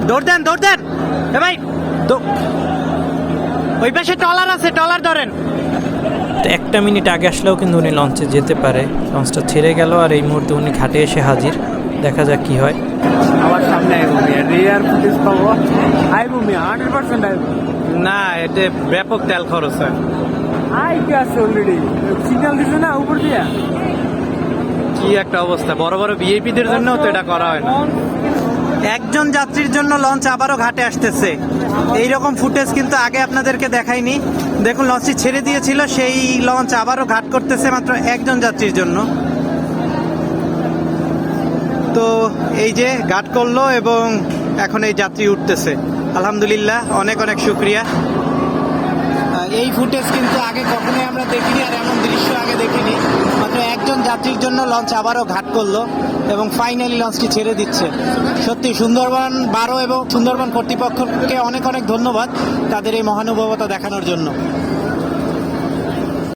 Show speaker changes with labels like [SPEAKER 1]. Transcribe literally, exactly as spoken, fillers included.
[SPEAKER 1] দৌড় দেন দৌড় দেন এ ভাই, ওই পাশে ট্রলার আছে, ট্রলার ধরেন।
[SPEAKER 2] একটা মিনিট আগে আসলেও কিন্তু উনি লঞ্চে যেতে পারে। লঞ্চটা ছেড়ে গেল আর এই মুহূর্তে উনি ঘাটে এসে হাজির। দেখা যাক কি হয়।
[SPEAKER 3] আমার সামনে আইব মিয়া, রিয়ার ফুটেজ পাবো, আইব মিয়া, হান্ড্রেড পার্সেন্ট আইব।
[SPEAKER 1] না, এতে ব্যাপক তেল খরচ হয়।
[SPEAKER 3] আই গেছে অলরেডি, সিগন্যাল দিছে না উপর দিয়া।
[SPEAKER 1] কি একটা অবস্থা, বড় বড় ভিআইপিদের জন্য তো এটা করা হয় না। একজন যাত্রীর জন্য লঞ্চ আবারও ঘাটে আসতেছে, এইরকম ফুটেজ কিন্তু আগে আপনাদেরকে দেখাইনি। দেখুন লঞ্চটি ছেড়ে দিয়েছিল, সেই লঞ্চ আবারও ঘাট করতেছে মাত্র একজন যাত্রীর জন্য। তো এই যে ঘাট করলো এবং এখন এই যাত্রী উঠতেছে, আলহামদুলিল্লাহ, অনেক অনেক শুক্রিয়া। এই ফুটেজ কিন্তু আগে কখনোই আমরা দেখিনি, আর এমন দৃশ্য আগে দেখিনি। মাত্র একজন যাত্রীর জন্য লঞ্চ আবারও ঘাট করলো এবং ফাইনালি লঞ্চটি ছেড়ে দিচ্ছে। সত্যি সুন্দরবন বারো এবং সুন্দরবন কর্তৃপক্ষকে অনেক অনেক ধন্যবাদ তাদের এই মহানুভবতা দেখানোর জন্য।